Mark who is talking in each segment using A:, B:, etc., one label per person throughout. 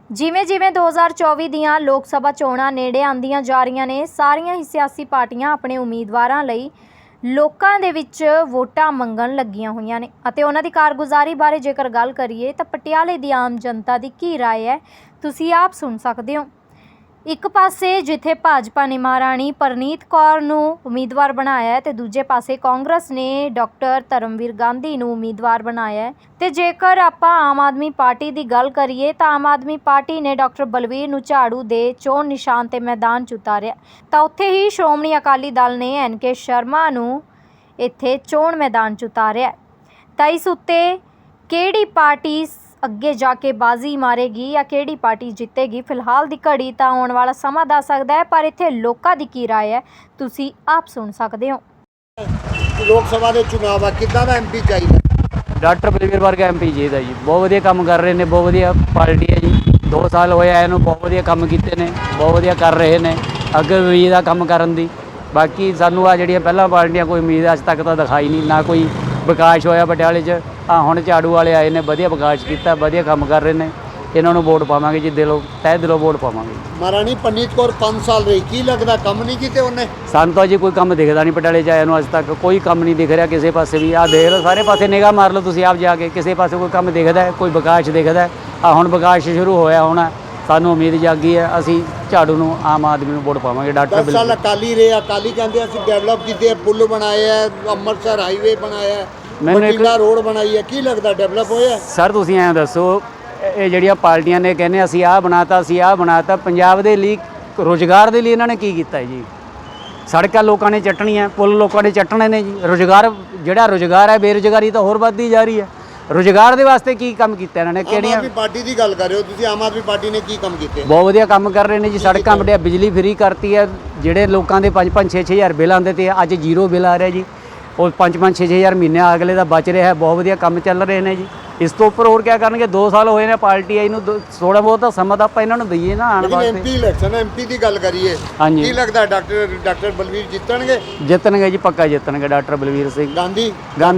A: ਜਿਵੇਂ ਜਿਵੇਂ 2024 ਦੀਆਂ ਲੋਕ ਸਭਾ ਚੋਣਾਂ ਨੇੜੇ ਆਉਂਦੀਆਂ ਜਾ ਰਹੀਆਂ ਨੇ, ਸਾਰੀਆਂ ਹੀ ਸਿਆਸੀ ਪਾਰਟੀਆਂ ਆਪਣੇ ਉਮੀਦਵਾਰਾਂ ਲਈ ਲੋਕਾਂ ਦੇ ਵਿੱਚ ਵੋਟਾਂ ਮੰਗਣ ਲੱਗੀਆਂ ਹੋਈਆਂ ਨੇ ਅਤੇ ਉਹਨਾਂ ਦੀ ਕਾਰਗੁਜ਼ਾਰੀ ਬਾਰੇ ਜੇਕਰ ਗੱਲ ਕਰੀਏ ਤਾਂ ਪਟਿਆਲੇ ਦੀ ਆਮ ਜਨਤਾ ਦੀ ਕੀ ਰਾਏ ਹੈ, ਤੁਸੀਂ ਆਪ ਸੁਣ ਸਕਦੇ ਹੋ। ਇੱਕ ਪਾਸੇ ਜਿੱਥੇ ਭਾਜਪਾ ਨੇ ਮਹਾਰਾਣੀ ਪਰਨੀਤ ਕੌਰ ਨੂੰ ਉਮੀਦਵਾਰ ਬਣਾਇਆ ਹੈ ਤੇ ਦੂਜੇ ਪਾਸੇ ਕਾਂਗਰਸ ਨੇ ਡਾਕਟਰ ਧਰਮਵੀਰ ਗਾਂਧੀ ਨੂੰ ਉਮੀਦਵਾਰ ਬਣਾਇਆ ਹੈ। ਤੇ ਜੇਕਰ ਆਪਾਂ ਆਮ ਆਦਮੀ ਪਾਰਟੀ ਦੀ ਗੱਲ ਕਰੀਏ ਤਾਂ ਆਮ ਆਦਮੀ ਪਾਰਟੀ ਨੇ ਡਾਕਟਰ ਬਲਵੀਰ ਨੂੰ ਝਾੜੂ ਦੇ ਚੋਣ ਨਿਸ਼ਾਨ ਤੇ ਮੈਦਾਨ 'ਚ ਉਤਾਰਿਆ, ਤਾਂ ਉੱਥੇ ਹੀ ਸ਼੍ਰੋਮਣੀ ਅਕਾਲੀ ਦਲ ਨੇ NK ਸ਼ਰਮਾ ਨੂੰ ਇੱਥੇ ਚੋਣ ਮੈਦਾਨ 'ਚ ਉਤਾਰਿਆ। ਤਾਂ ਇਸ ਉੱਤੇ ਕਿਹੜੀ ਪਾਰਟੀ ਅੱਗੇ ਜਾ ਕੇ ਬਾਜ਼ੀ ਮਾਰੇਗੀ ਜਾਂ ਕਿਹੜੀ ਪਾਰਟੀ ਜਿੱਤੇਗੀ, ਫਿਲਹਾਲ ਦੀ ਘੜੀ ਤਾਂ ਆਉਣ ਵਾਲਾ ਸਮਾਂ ਦੱਸ ਸਕਦਾ ਹੈ, ਪਰ ਇੱਥੇ ਲੋਕਾਂ ਦੀ ਕੀ ਰਾਏ ਹੈ ਤੁਸੀਂ ਆਪ ਸੁਣ ਸਕਦੇ ਹੋ।
B: ਲੋਕ ਸਭਾ ਦੇ ਚੁਣਾਵ ਆ, ਕਿੱਦਾਂ ਦਾ MP ਚਾਹੀਦਾ?
C: ਡਾਕਟਰ ਬਲਵੀਰ ਵਰਗਾ MP ਚਾਹੀਦਾ ਜੀ। ਬਹੁਤ ਵਧੀਆ ਕੰਮ ਕਰ ਰਹੇ ਨੇ, ਬਹੁਤ ਵਧੀਆ ਪਾਰਟੀ ਹੈ ਜੀ। 2 ਸਾਲ ਹੋਏ ਆ ਇਹਨੂੰ, ਬਹੁਤ ਵਧੀਆ ਕੰਮ ਕੀਤੇ ਨੇ, ਬਹੁਤ ਵਧੀਆ ਕਰ ਰਹੇ ਨੇ, ਅੱਗੇ ਵੀ ਇਹਦਾ ਕੰਮ ਕਰਨ ਦੀ। ਬਾਕੀ ਸਾਨੂੰ ਆ ਜਿਹੜੀਆਂ ਪਹਿਲਾਂ ਪਾਰਟੀਆਂ ਕੋਈ ਉਮੀਦ ਅੱਜ ਤੱਕ ਤਾਂ ਦਿਖਾਈ ਨਹੀਂ, ਨਾ ਕੋਈ ਵਿਕਾਸ ਹੋਇਆ ਪਟਿਆਲੇ 'ਚ। ਹੁਣ ਝਾੜੂ ਵਾਲੇ ਆਏ ਨੇ, ਵਧੀਆ ਵਿਕਾਸ ਕੀਤਾ, ਵਧੀਆ ਕੰਮ ਕਰ ਰਹੇ ਨੇ। ਇਹਨਾਂ ਨੂੰ ਵੋਟ ਪਾਵਾਂਗੇ ਜੀ, ਦਿਲੋਂ ਤਹਿ ਦਿਲੋਂ ਵੋਟ ਪਾਵਾਂਗੇ।
B: ਮਹਾਰਾਣੀ ਪਰਨੀਤ ਕੌਰ 5 ਸਾਲ ਰਹੀ, ਕੀ ਲੱਗਦਾ ਕੰਮ ਨਹੀਂ ਕੀਤੇ ਉਹਨੇ?
C: ਸਾਨੂੰ ਤਾਂ ਜੀ ਕੋਈ ਕੰਮ ਦਿਖਦਾ ਨਹੀਂ, ਪਟਿਆਲੇ 'ਚ ਆਇਆ ਨੂੰ ਅੱਜ ਤੱਕ ਕੋਈ ਕੰਮ ਨਹੀਂ ਦਿਖ ਰਿਹਾ ਕਿਸੇ ਪਾਸੇ ਵੀ। ਆਹ ਦੇਖ ਲਓ, ਸਾਰੇ ਪਾਸੇ ਨਿਗਾਹ ਮਾਰ ਲਓ ਤੁਸੀਂ ਆਪ ਜਾ ਕੇ, ਕਿਸੇ ਪਾਸੇ ਕੋਈ ਕੰਮ ਦਿਖਦਾ ਹੈ, ਕੋਈ ਵਿਕਾਸ ਦਿਖਦਾ ਹੈ? ਹੁਣ ਵਿਕਾਸ ਸ਼ੁਰੂ ਹੋਇਆ ਹੋਣਾ, ਸਾਨੂੰ ਉਮੀਦ ਜਾਗੀ ਹੈ। ਅਸੀਂ ਝਾੜੂ ਨੂੰ, ਆਮ ਆਦਮੀ ਨੂੰ ਵੋਟ ਪਾਵਾਂਗੇ। ਡਾਕਟਰ
B: 10 ਸਾਲ ਅਕਾਲੀ ਰਹੇ, ਅਕਾਲੀ ਕਹਿੰਦੇ ਅਸੀਂ ਡਿਵੈਲਪ ਕੀਤੇ, ਪੁੱਲ ਬਣਾਏ ਹੈ, ਅੰਮ੍ਰਿਤਸਰ ਹਾਈਵੇ ਬਣਾਇਆ ਹੈ, ਬਠਿੰਡਾ ਰੋਡ ਬਣਾਈ ਹੈ, ਕੀ ਲੱਗਦਾ ਡਿਵੈਲਪ ਹੋਇਆ?
C: ਸਰ ਤੁਸੀਂ ਐਂ ਦੱਸੋ, ਇਹ ਜਿਹੜੀਆਂ ਪਾਰਟੀਆਂ ਨੇ ਕਹਿੰਦੇ ਅਸੀਂ ਆਹ ਬਣਾਤਾ, ਅਸੀਂ ਆਹ ਬਣਾਤਾ, ਪੰਜਾਬ ਦੇ ਲਈ ਰੁਜ਼ਗਾਰ ਦੇ ਲਈ ਇਹਨਾਂ ਨੇ ਕੀ ਕੀਤਾ ਜੀ? ਸੜਕਾਂ ਲੋਕਾਂ ਨੇ ਚੱਟਣੀਆਂ, ਪੁੱਲ ਲੋਕਾਂ ਨੇ ਚੱਟਣੇ ਨੇ ਜੀ। ਰੁਜ਼ਗਾਰ, ਜਿਹੜਾ ਰੁਜ਼ਗਾਰ ਹੈ, ਬੇਰੁਜ਼ਗਾਰੀ ਤਾਂ ਹੋਰ ਵੱਧਦੀ ਜਾ ਰਹੀ ਹੈ। ਰੁਜ਼ਗਾਰ ਦੇ ਵਾਸਤੇ ਕੀ ਕੰਮ ਕੀਤਾ ਇਹਨਾਂ ਨੇ?
B: ਕਿਹੜੀਆਂ? ਆਮ ਆਦਮੀ ਪਾਰਟੀ ਦੀ ਗੱਲ ਕਰ ਰਹੇ ਹੋ ਤੁਸੀਂ, ਆਮ ਆਦਮੀ ਪਾਰਟੀ ਨੇ ਕੀ ਕੰਮ ਕੀਤੇ?
C: ਬਹੁਤ ਵਧੀਆ ਕੰਮ ਕਰ ਰਹੇ ਨੇ ਜੀ। ਸੜਕਾਂ ਵੱਡੀਆਂ, ਬਿਜਲੀ ਫਰੀ ਕਰਤੀ ਹੈ। ਜਿਹੜੇ ਲੋਕਾਂ ਦੇ 5-5 6-6 ਹਜ਼ਾਰ ਬਿੱਲ ਆਉਂਦੇ ਤੇ ਅੱਜ 0 ਬਿੱਲ ਆ ਰਿਹਾ ਜੀ। ਉਹ 5-5 6-6 ਹਜ਼ਾਰ ਮਹੀਨੇ ਅਗਲੇ ਦਾ ਬਚ ਰਿਹਾ ਹੈ। ਬਹੁਤ ਵਧੀਆ ਕੰਮ ਚੱਲ ਰਹੇ ਨੇ ਜੀ। ਇਸ ਤੋਂ ਉੱਪਰ ਹੋਰ ਕੀ ਕਰਨਗੇ? 2 ਸਾਲ ਹੋਏ ਨੇ ਪਾਰਟੀ ਆਈ ਨੂੰ, ਥੋੜਾ ਬਹੁਤ ਤਾਂ ਸਮਾਂ ਤਾਂ ਆਪਾਂ ਇਹਨਾਂ ਨੂੰ ਦਈਏ ਨਾ ਆਉਣ ਵਾਸਤੇ।
B: MP ਇਲੈਕਸ਼ਨ, MP ਦੀ ਗੱਲ ਕਰੀਏ,
C: ਹਾਂਜੀ,
B: ਕੀ ਲੱਗਦਾ ਡਾਕਟਰ ਬਲਵੀਰ ਜਿੱਤਣਗੇ?
C: ਜਿੱਤਣਗੇ ਜੀ, ਪੱਕਾ ਜਿੱਤਣਗੇ ਡਾਕਟਰ ਬਲਵੀਰ ਸਿੰਘ।
B: ਗਾਂਧੀ
C: ਦਾ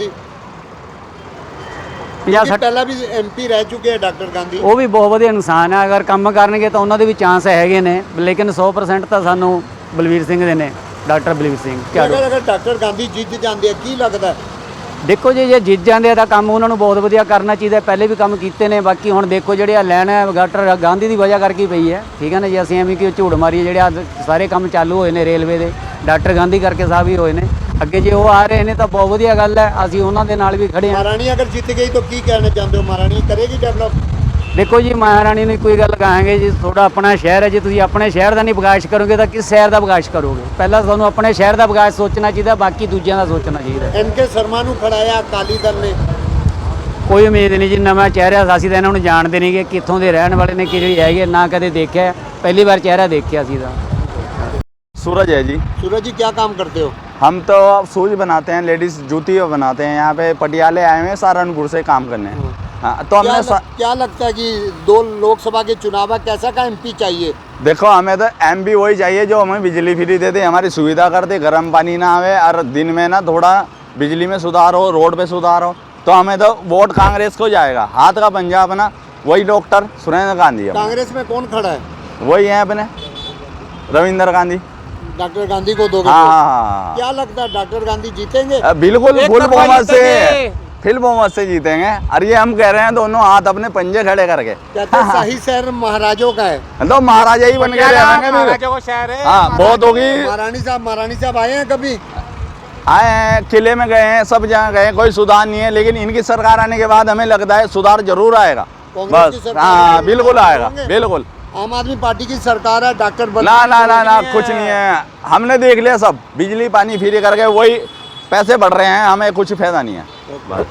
C: 50-60
B: ਪਹਿਲਾਂ ਵੀ MP ਰਹਿ ਚੁੱਕੇ ਆ ਡਾਕਟਰ ਗਾਂਧੀ।
C: ਉਹ ਵੀ ਬਹੁਤ ਵਧੀਆ ਇਨਸਾਨ ਹੈ। ਅਗਰ ਕੰਮ ਕਰਨਗੇ ਤਾਂ ਉਹਨਾਂ ਦੇ ਵੀ ਚਾਂਸ ਹੈਗੇ ਨੇ, ਲੇਕਿਨ 100% ਤਾਂ ਸਾਨੂੰ ਬਲਵੀਰ ਸਿੰਘ ਦੇ ਨੇ, ਡਾਕਟਰ ਬਲਵੀਰ ਸਿੰਘ।
B: ਅਗਰ ਡਾਕਟਰ ਗਾਂਧੀ ਜਿੱਤ ਜਾਂਦੇ ਆ, ਕੀ ਲੱਗਦਾ?
C: ਦੇਖੋ ਜੀ, ਜੇ ਜਿੱਤ ਜਾਂਦੇ ਆ ਤਾਂ ਕੰਮ ਉਹਨਾਂ ਨੂੰ ਬਹੁਤ ਵਧੀਆ ਕਰਨਾ ਚਾਹੀਦਾ। ਪਹਿਲੇ ਵੀ ਕੰਮ ਕੀਤੇ ਨੇ। ਬਾਕੀ ਹੁਣ ਦੇਖੋ, ਜਿਹੜੇ ਆ ਲੈਣ ਹੈ ਡਾਕਟਰ ਗਾਂਧੀ ਦੀ ਵਜ੍ਹਾ ਕਰਕੇ ਪਈ ਹੈ, ਠੀਕ ਹੈ ਨਾ ਜੀ। ਅਸੀਂ ਐਵੇਂ ਕਿ ਝੂਠ ਮਾਰੀਏ, ਜਿਹੜੇ ਆ ਸਾਰੇ ਕੰਮ ਚਾਲੂ ਹੋਏ ਨੇ ਰੇਲਵੇ ਦੇ, ਡਾਕਟਰ ਗਾਂਧੀ ਕਰਕੇ ਸਾਹਿਬ ਹੀ ਹੋਏ ਨੇ। ਅੱਗੇ ਜੇ ਉਹ ਆ ਰਹੇ ਨੇ ਤਾਂ ਬਹੁਤ ਵਧੀਆ ਗੱਲ ਹੈ, ਅਸੀਂ ਉਹਨਾਂ ਦੇ ਨਾਲ ਵੀ ਖੜੇ ਹਾਂ।
B: ਮਹਾਰਾਣੀ ਅਗਰ ਜਿੱਤ ਗਈ ਤਾਂ ਕੀ ਕਹਿਣਾ ਚਾਹੁੰਦੇ ਹੋ? ਮਹਾਰਾਣੀ ਕਰੇਗੀ ਡਿਵੈਲਪ?
C: ਦੇਖੋ ਜੀ, ਮਹਾਰਾਣੀ ਨੂੰ ਕੋਈ ਗੱਲ ਕਹਾਂਗੇ ਜੀ, ਤੁਹਾਡਾ ਆਪਣਾ ਸ਼ਹਿਰ ਹੈ, ਜੇ ਤੁਸੀਂ ਆਪਣੇ ਸ਼ਹਿਰ ਦਾ ਨਹੀਂ ਵਿਕਾਸ ਕਰੋਗੇ ਤਾਂ ਕਿਸ ਸ਼ਹਿਰ ਦਾ ਵਿਕਾਸ ਕਰੋਗੇ? ਪਹਿਲਾਂ ਤੁਹਾਨੂੰ ਆਪਣੇ ਸ਼ਹਿਰ ਦਾ ਵਿਕਾਸ ਸੋਚਣਾ ਚਾਹੀਦਾ, ਬਾਕੀ ਦੂਜਿਆਂ ਦਾ ਸੋਚਣਾ ਚਾਹੀਦਾ।
B: NK ਸ਼ਰਮਾ ਨੂੰ ਖੜਾਇਆ ਅਕਾਲੀ ਦਲ ਨੇ,
C: ਕੋਈ ਉਮੀਦ ਨਹੀਂ ਜੀ। ਨਵਾਂ ਚਿਹਰਾ, ਅਸੀਂ ਤਾਂ ਇਹਨਾਂ ਨੂੰ ਜਾਣਦੇ ਨਹੀਂ ਕਿ ਕਿੱਥੋਂ ਦੇ ਰਹਿਣ ਵਾਲੇ ਨੇ, ਕਿਹੜੀ ਹੈਗੇ, ਨਾ ਕਦੇ ਦੇਖਿਆ, ਪਹਿਲੀ ਵਾਰ ਚਿਹਰਾ ਦੇਖਿਆ ਸੀ ਤਾਂ।
D: सूरज है जी।
B: सूरज जी क्या काम करते हो?
D: हम तो शूज बनाते हैं, लेडीज जूती बनाते हैं। यहाँ पे पटियाले आए हुए हैं सहारनपुर से काम करने। हाँ, तो हमने
B: क्या लगता है कि 2 लोकसभा के चुनाव है, कैसा का MP चाहिए?
D: देखो, हमें तो MP वही चाहिए जो हमें बिजली फ्री देते, हमारी सुविधा करते, गर्म पानी ना आवे और दिन में ना थोड़ा बिजली में सुधार हो, रोड पे सुधार हो। तो हमें तो वोट कांग्रेस को जाएगा। हाथ का पंजा अपना वही डॉक्टर सुरेंद्र गांधी है।
B: कांग्रेस में कौन खड़ा है?
D: वही है अपने रविंद्र गांधी।
B: डॉक्टर गांधी को दोगे?
D: हाँ,
B: क्या लगता है डॉक्टर गांधी जीतेंगे?
D: बिल्कुल फुल बहुमत से, फिल बहुमत से जीतेंगे। और ये हम कह रहे हैं दोनों हाथ अपने पंजे खड़े करके।
B: कहते हैं शाही शहर महाराजों का है,
D: तो महाराजा ही बन के रहेंगे।
B: महाराजों का शहर है।
D: हाँ, बहुत होगी।
B: महारानी साहब आए हैं कभी?
D: आए हैं, किले में गए हैं, सब जगह गए, कोई सुधार नहीं है। लेकिन इनकी सरकार आने के बाद हमें लगता है सुधार जरूर आएगा। बस, हाँ, बिल्कुल आएगा, बिल्कुल।
B: आम आदमी पार्टी की सरकार है, डॉक्टर
D: ना ना ना ना, कुछ नहीं है। हमने देख लिया सब, बिजली पानी फ्री करके वही पैसे बढ़ रहे हैं, हमें कुछ फायदा नहीं है।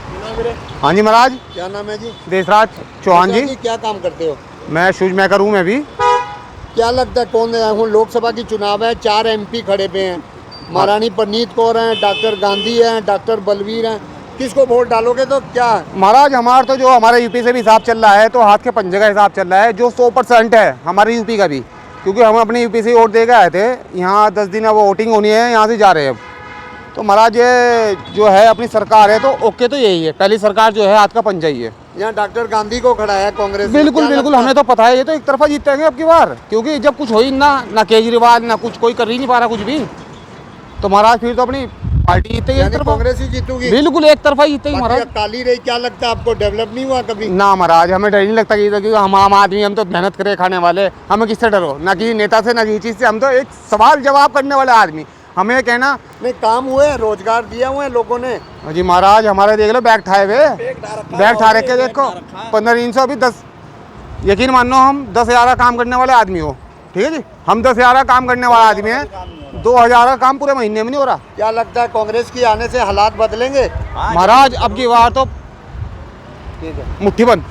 E: हाँ जी महाराज,
B: क्या नाम है जी?
E: देशराज चौहान जी।
B: क्या काम करते हो?
E: मैं शूज मेकर हूँ। मैं भी।
B: क्या लगता है कौन है? लोकसभा की चुनाव है, 4 MP खड़े पे हैं। महारानी परनीत कौर हैं, डॉक्टर गांधी हैं, डॉक्टर बलवीर हैं। किसको वोट डालोगे? तो क्या
E: महाराज, हमारा तो जो हमारे यूपी से भी हिसाब चल रहा है, तो हाथ के पंजे का हिसाब चल रहा है, जो 100% है हमारे यूपी का भी, क्योंकि हम अपने यूपी से वोट दे के आए थे। यहाँ 10 दिन अब वोटिंग होनी है, यहाँ से जा रहे हैं अब। तो महाराज ये जो है अपनी सरकार है तो ओके तो यही है, पहली सरकार जो है हाथ का पंजा ही है।
B: यहाँ डॉक्टर गांधी को खड़ा है कांग्रेस ने।
E: बिल्कुल
B: क्या
E: बिल्कुल,
B: लगता
E: हमें तो पता है ये तो एक तरफा जीतेंगे अब की बार, क्योंकि जब कुछ हो ही ना केजरीवाल ना कुछ कोई कर ही नहीं पा रहा कुछ भी, तो महाराज फिर तो अपनी पार्टी जीतेगी एक
B: यानी
E: तरफा।
B: कांग्रेस ही जीतूगी?
E: बिल्कुल एक तरफा जीतेगी
B: बाकी
E: महाराज।
B: अकाली रही, क्या लगता है आपको, डेवलप नहीं हुआ कभी?
E: ना महाराज, हमें डर नहीं लगता कि हम आम आदमी, हम तो मेहनत करे खाने वाले, हमें किससे डरो, ना किसी नेता से ना किसी चीज़ से, हम तो एक सवाल जवाब करने वाले आदमी। हमें कहना
B: नहीं, काम हुए, रोजगार दिया हुए लोगों ने।
E: जी महाराज, हमारे देख लो बैग ठाए हुए, बैग ठा रखे देखो 1500 अभी 10, यकीन मानो हम 10,000 का काम करने वाले आदमी हो, ठीक है जी, हम 10,000 का काम करने वाला आदमी है, 2,000 का काम पूरे महीने में नहीं हो रहा।
B: क्या लगता है कांग्रेस की आने से हालात बदलेंगे?
E: महाराज अब की बार तो
B: ठीक है।
E: मुट्ठी बंद।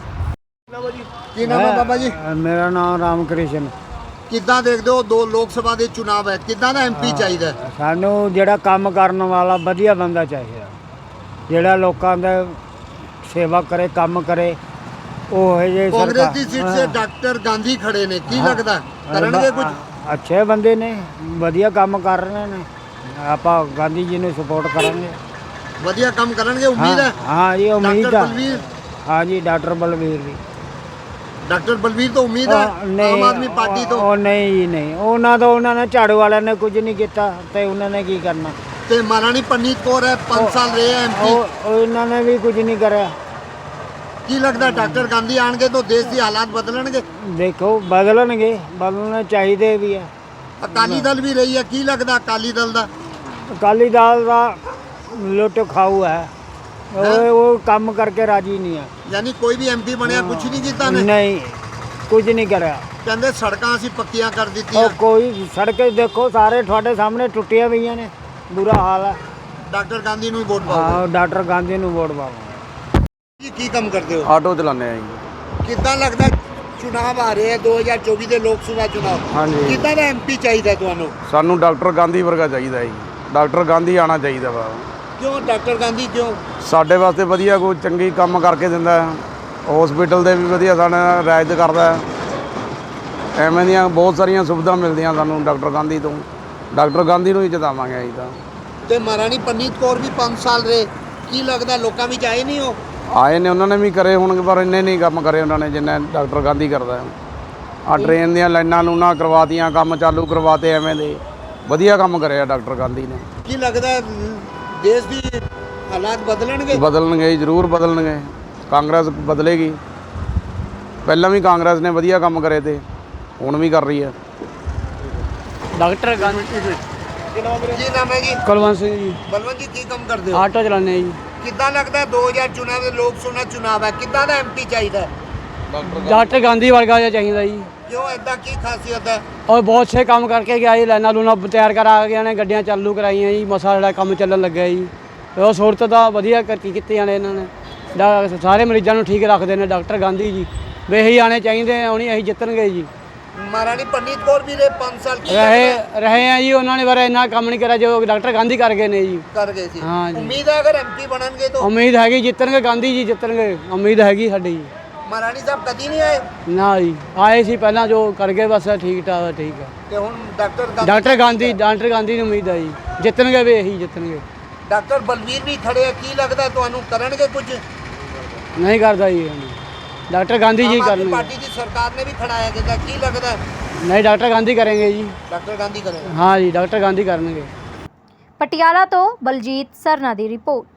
B: की नाम है बाबा जी?
F: मेरा नाम ਰਾਮਕ੍ਰਿਸ਼ਨ।
B: ਕਿੱਦਾਂ ਦੇਖਦੇ ਹੋ, ਦੋ ਲੋਕ ਸਭਾ ਦੇ ਚੁਣਾਵ ਹੈ, ਕਿੱਦਾਂ ਦਾ ਐਮਪੀ ਚਾਹੀਦਾ ਹੈ?
F: ਸਾਨੂੰ ਜਿਹੜਾ ਕੰਮ ਕਰਨ ਵਾਲਾ ਵਧੀਆ ਬੰਦਾ ਚਾਹੀਦਾ, ਜਿਹੜਾ ਲੋਕਾਂ ਦਾ ਸੇਵਾ ਕਰੇ, ਕੰਮ ਕਰੇ, ਉਹ ਹੈ ਜੇ
B: ਕਾਂਗਰਸ ਦੀ ਸੀਟ ਸੇ ਡਾਕਟਰ ਗਾਂਧੀ ਖੜੇ ਨੇ, ਕੀ ਲੱਗਦਾ ਕਰਨਗੇ ਕੁਝ?
F: ਅੱਛੇ ਬੰਦੇ ਨੇ, ਵਧੀਆ ਕੰਮ ਕਰ ਰਹੇ ਨੇ, ਆਪਾਂ ਗਾਂਧੀ ਜੀ ਨੂੰ ਸਪੋਰਟ ਕਰਾਂਗੇ।
B: ਵਧੀਆ ਕੰਮ ਕਰਨਗੇ, ਉਮੀਦ ਹੈ?
F: ਹਾਂ ਜੀ ਉਮੀਦ
B: ਡਾਕਟਰ
F: ਆ।
B: ਬਲਵੀਰ,
F: ਹਾਂ ਜੀ ਡਾਕਟਰ ਬਲਵੀਰ ਜੀ।
B: ਡਾਕਟਰ ਬਲਵੀਰ ਤੋਂ ਉਮੀਦ ਹੈ ਆਮ ਆਦਮੀ ਪਾਰਟੀ ਤੋਂ?
F: ਉਹ ਨਹੀਂ ਜੀ ਨਹੀਂ, ਉਹਨਾਂ ਨੇ ਝਾੜੂ ਵਾਲਿਆਂ ਨੇ ਕੁਝ ਨਹੀਂ ਕੀਤਾ ਤੇ ਉਹਨਾਂ ਨੇ ਕੀ ਕਰਨਾ।
B: ਤੇ ਮਹਾਰਾਣੀ ਪਰਨੀਤ ਕੌਰ ਹੈ, 5 ਸਾਲ ਰਹੇ ਹੈ ਐਮਪੀ,
F: ਉਹ ਇਹਨਾਂ ਨੇ ਵੀ ਕੁਝ ਨਹੀਂ ਕਰਿਆ।
B: ਕੀ ਲੱਗਦਾ ਡਾਕਟਰ ਗਾਂਧੀ ਆਣਗੇ ਤਾਂ ਦੇਸ਼ ਦੀ ਹਾਲਾਤ ਬਦਲਣਗੇ?
F: ਦੇਖੋ ਬਦਲਣਗੇ, ਬਦਲਣੇ ਚਾਹੀਦੇ ਵੀ ਆ।
B: ਅਕਾਲੀ ਦਲ ਵੀ ਰਹੀ ਹੈ, ਕੀ ਲੱਗਦਾ ਅਕਾਲੀ ਦਲ ਦਾ?
F: ਅਕਾਲੀ ਦਲ ਦਾ ਲੁੱਟ ਖਾਊ ਹੈ, ਉਹ ਕੰਮ ਕਰਕੇ ਰਾਜੀ ਨਹੀਂ ਆ।
B: ਯਾਨੀ ਕੋਈ ਵੀ ਐਮਪੀ ਬਣਿਆ ਕੁਝ ਨਹੀਂ ਕੀਤਾ ਨੇ?
F: ਨਹੀਂ ਕੁਝ ਨਹੀਂ ਕਰਿਆ।
B: ਕਹਿੰਦੇ ਸੜਕਾਂ ਅਸੀਂ ਪੱਕੀਆਂ ਕਰ
F: ਉਹ
B: ਦਿੱਤੀਆਂ।
F: ਕੋਈ ਸੜਕ ਦੇਖੋ ਸਾਰੇ ਤੁਹਾਡੇ ਸਾਹਮਣੇ ਟੁੱਟੀਆਂ ਪਈਆਂ ਨੇ, ਬੁਰਾ ਹਾਲ ਹੈ।
B: ਡਾਕਟਰ ਗਾਂਧੀ ਨੂੰ ਹੀ ਵੋਟ ਪਾਓ।
F: ਹਾਂ ਡਾਕਟਰ ਗਾਂਧੀ ਨੂੰ ਵੋਟ ਪਾਵਾਂਗੇ।
B: ਕੀ ਕੰਮ ਕਰਦੇ ਹੋ?
D: ऑटो चलाने हैं जी।
B: ਕਿੱਦਾਂ ਲੱਗਦਾ ਚੁਣਾਵ ਆ ਰਹੇ ਆ 2024 ਦੇ ਲੋਕ ਸਭਾ ਚੁਣਾਵ,
D: ਹਾਂਜੀ।
B: ਕਿੱਦਾਂ ਦਾ ਐਮਪੀ ਚਾਹੀਦਾ ਤੁਹਾਨੂੰ?
D: ਸਾਨੂੰ ਡਾਕਟਰ ਗਾਂਧੀ ਵਰਗਾ ਚਾਹੀਦਾ ਹੈ ਜੀ, ਡਾਕਟਰ ਗਾਂਧੀ ਆਣਾ ਚਾਹੀਦਾ ਵਾ।
B: ਕਿਉਂ ਡਾਕਟਰ ਗਾਂਧੀ ਕਿਉਂ?
D: ਸਾਡੇ ਵਾਸਤੇ ਵਧੀਆ ਕੋਈ ਚੰਗੀ ਕੰਮ ਕਰਕੇ ਦਿੰਦਾ ਹੈ, ਹਸਪੀਟਲ ਦੇ ਵੀ ਵਧੀਆ ਸਾਡੇ ਨਾਲ ਰਿਆਇਤ ਕਰਦਾ ਹੈ, ਐਵੇਂ ਦੀਆਂ ਬਹੁਤ ਸਾਰੀਆਂ ਸੁਵਿਧਾ ਮਿਲਦੀਆਂ ਸਾਨੂੰ ਡਾਕਟਰ ਗਾਂਧੀ ਤੋਂ। ਡਾਕਟਰ ਗਾਂਧੀ ਨੂੰ ਹੀ ਜਿਤਾਵਾਂਗੇ ਅਸੀਂ ਤਾਂ।
B: ਤੇ ਮਹਾਰਾਣੀ ਪਰਨੀਤ ਕੌਰ ਵੀ 5 ਸਾਲ ਰਹੇ, ਕੀ ਲੱਗਦਾ ਲੋਕਾਂ ਵਿੱਚ ਆਏ ਨਹੀਂ ਹੋ?
D: ਆਏ ਨੇ, ਉਹਨਾਂ ਨੇ ਵੀ ਕਰੇ ਹੋਣਗੇ ਪਰ ਇੰਨੇ ਨਹੀਂ ਕੰਮ ਕਰੇ ਉਹਨਾਂ ਨੇ ਜਿੰਨੇ ਡਾਕਟਰ ਗਾਂਧੀ ਕਰਦਾ ਹੈ। ਆ ਟ੍ਰੇਨ ਦੀਆਂ ਲਾਈਨਾਂ ਲੂਨਾਂ ਕਰਵਾਤੀਆਂ, ਕੰਮ ਚਾਲੂ ਕਰਵਾਤੇ, ਐਵੇਂ ਦੇ ਵਧੀਆ ਕੰਮ ਕਰਿਆ ਡਾਕਟਰ ਗਾਂਧੀ ਨੇ।
B: ਕੀ ਲੱਗਦਾ ਦੇਸ਼ ਦੀ ਹਾਲਾਤ ਬਦਲਣਗੇ?
D: ਬਦਲਣਗੇ, ਜ਼ਰੂਰ ਬਦਲਣਗੇ, ਕਾਂਗਰਸ ਬਦਲੇਗੀ। ਪਹਿਲਾਂ ਵੀ ਕਾਂਗਰਸ ਨੇ ਵਧੀਆ ਕੰਮ ਕਰੇ ਤੇ ਹੁਣ ਵੀ ਕਰ ਰਹੀ ਹੈ।
C: ਡਾਕਟਰ ਗਾਂਧੀ।
B: ਕੀ ਨਾਮ ਹੈ ਜੀ?
C: ਕੁਲਵੰਤ ਸਿੰਘ ਜੀ,
B: ਬਲਵੰਤ ਜੀ ਕੀ ਕੰਮ ਕਰਦੇ ਹੋ?
C: ਆਟੋ ਚਲਾਉਂਦੇ ਜੀ।
B: ਕਿੱਦਾਂ ਲੱਗਦਾ 2000 ਚੁਣਾਵ ਦੇ ਲੋਕ ਸਭਾ ਚੁਣਾਵ ਹੈ, ਕਿੱਦਾਂ ਦਾ ਐਮਪੀ ਚਾਹੀਦਾ ਹੈ?
C: ਡਾਕਟਰ ਗਾਂਧੀ ਵਰਗਾ ਜਿਹਾ ਚਾਹੀਦਾ ਜੀ।
B: ਕਿਉਂ ਐਦਾਂ ਕੀ ਖਾਸੀਅਤ ਹੈ?
C: ਔਰ ਬਹੁਤ ਸੇ ਕੰਮ ਕਰਕੇ ਗਿਆ ਜੀ, ਲਾਈਨਾਂ ਲੂਨਾਂ ਤਿਆਰ ਕਰਾ ਕੇ ਨੇ, ਗੱਡੀਆਂ ਚਾਲੂ ਕਰਾਈਆਂ ਜੀ, ਮਸਾ ਜਿਹੜਾ ਕੰਮ ਚੱਲਣ ਲੱਗਾ ਜੀ। ਉਹ ਸਹੂਲਤ ਦਾ ਵਧੀਆ ਕੀਤੀਆਂ ਨੇ ਇਹਨਾਂ ਨੇ, ਸਾਰੇ ਮਰੀਜ਼ਾਂ ਨੂੰ ਠੀਕ ਰੱਖਦੇ ਨੇ ਡਾਕਟਰ ਗਾਂਧੀ ਜੀ। ਵੀ ਇਹੀ ਆਣੇ ਚਾਹੀਦੇ, ਆਉਣੀ ਅਸੀਂ ਜਿੱਤਣਗੇ ਜੀ।
B: ਮਹਾਰਾਣੀ ਪਰਨੀਤ ਕੌਰ ਵੀ ਰਹੇ 5 ਸਾਲ, ਕੀ
C: ਰਹੇ ਆ ਜੀ, ਉਹਨਾਂ ਨੇ ਬਾਰੇ ਇੰਨਾ ਕੰਮ ਨਹੀਂ ਕਰਿਆ ਜੋ ਡਾਕਟਰ ਗਾਂਧੀ ਕਰ ਗਏ ਨੇ ਜੀ।
B: ਕਰ ਗਏ ਸੀ?
C: ਹਾਂ ਜੀ।
B: ਉਮੀਦ ਹੈ ਅਗਰ ਐਮਪੀ ਬਣਨਗੇ ਤਾਂ?
C: ਉਮੀਦ ਹੈਗੀ ਜਿੱਤਣਗੇ, ਗਾਂਧੀ ਜੀ ਜਿੱਤਣਗੇ, ਉਮੀਦ ਹੈਗੀ ਸਾਡੀ ਜੀ।
B: ਮਹਾਰਾਣੀ ਸਾਹਿਬ ਕਦੀ ਨਹੀਂ ਆਏ
C: ਨਾ ਜੀ, ਆਏ ਸੀ ਪਹਿਲਾਂ ਜੋ ਕਰ ਗਏ, ਬਸ ਠੀਕ ਠਾਕ ਠੀਕ ਹੈ।
B: ਤੇ ਹੁਣ ਡਾਕਟਰ
C: ਡਾਕਟਰ ਗਾਂਧੀ ਨੂੰ ਉਮੀਦ ਹੈ ਜੀ, ਜਿੱਤਣਗੇ ਵੀ ਇਹੀ ਜਿੱਤਣਗੇ।
B: ਡਾਕਟਰ ਬਲਵੀਰ ਵੀ ਖੜੇ ਆ, ਕੀ ਲੱਗਦਾ ਤੁਹਾਨੂੰ ਕਰਨਗੇ ਕੁਝ?
C: ਨਹੀਂ ਕਰਦਾ ਜੀ, ਡਾਕਟਰ ਗਾਂਧੀ ਜੀ
B: ਆਮ ਆਦਮੀ
C: ਕਰਨਗੇ।
B: ਪਾਰਟੀ ਦੀ ਸਰਕਾਰ ਨੇ ਵੀ ਖੜਾਇਆ ਕਿਦਾ, ਕੀ ਲੱਗਦਾ?
C: ਨਹੀਂ ਡਾਕਟਰ ਗਾਂਧੀ ਕरेंगे ਜੀ।
B: ਡਾਕਟਰ ਗਾਂਧੀ ਕਰੇਗਾ?
C: ਹਾਂ ਜੀ, ਡਾਕਟਰ ਗਾਂਧੀ ਕਰਨਗੇ।
A: ਪਟਿਆਲਾ ਤੋਂ ਬਲਜੀਤ ਸਰਨਾ ਦੀ ਰਿਪੋਰਟ।